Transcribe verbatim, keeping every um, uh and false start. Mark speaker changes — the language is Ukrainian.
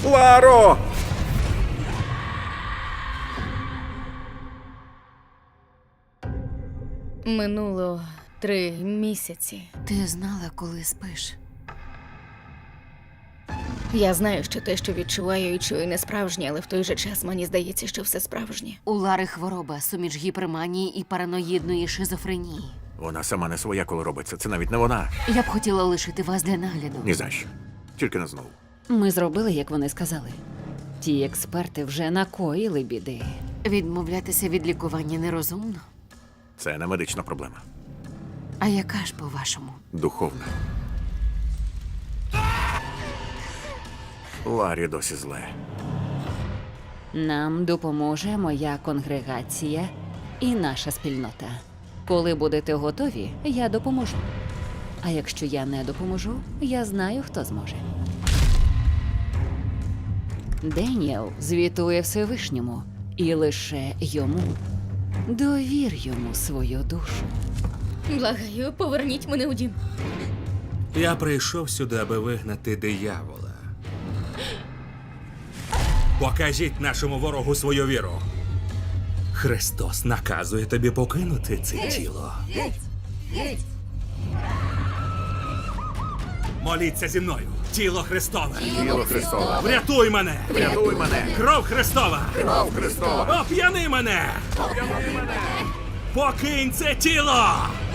Speaker 1: Ларо!
Speaker 2: Минуло три місяці.
Speaker 3: Ти знала, коли спиш?
Speaker 2: Я знаю, що те, що відчуваю і чую, не справжнє, але в той же час мені здається, що все справжнє.
Speaker 3: У Лари хвороба, суміш гіперманії і параноїдної шизофренії.
Speaker 1: Вона сама не своя, коли робиться. Це навіть не вона.
Speaker 3: Я б хотіла лишити вас для нагляду.
Speaker 1: Ні за що. Тільки не знову.
Speaker 4: Ми зробили, як вони сказали. Ті експерти вже накоїли біди.
Speaker 3: Відмовлятися від лікування нерозумно.
Speaker 1: Це не медична проблема.
Speaker 3: А яка ж, по-вашому?
Speaker 1: Духовна. Ларі досі зле.
Speaker 4: Нам допоможе моя конгрегація і наша спільнота. Коли будете готові, я допоможу. А якщо я не допоможу, я знаю, хто зможе. Деніел звітує Всевишньому, і лише йому. Довір йому свою душу.
Speaker 2: Благаю, поверніть мене у дім.
Speaker 5: Я прийшов сюди, аби вигнати диявола. Покажіть нашому ворогу свою віру. Христос наказує тобі покинути це тіло. Моліться зі мною. Тіло Христове.
Speaker 1: Тіло Христова.
Speaker 5: Врятуй мене.
Speaker 1: Врятуй мене.
Speaker 5: Кров Христова.
Speaker 1: Кров Христова.
Speaker 5: Оп'яни мене.
Speaker 1: Оп'яни мене.
Speaker 5: Покинь це тіло.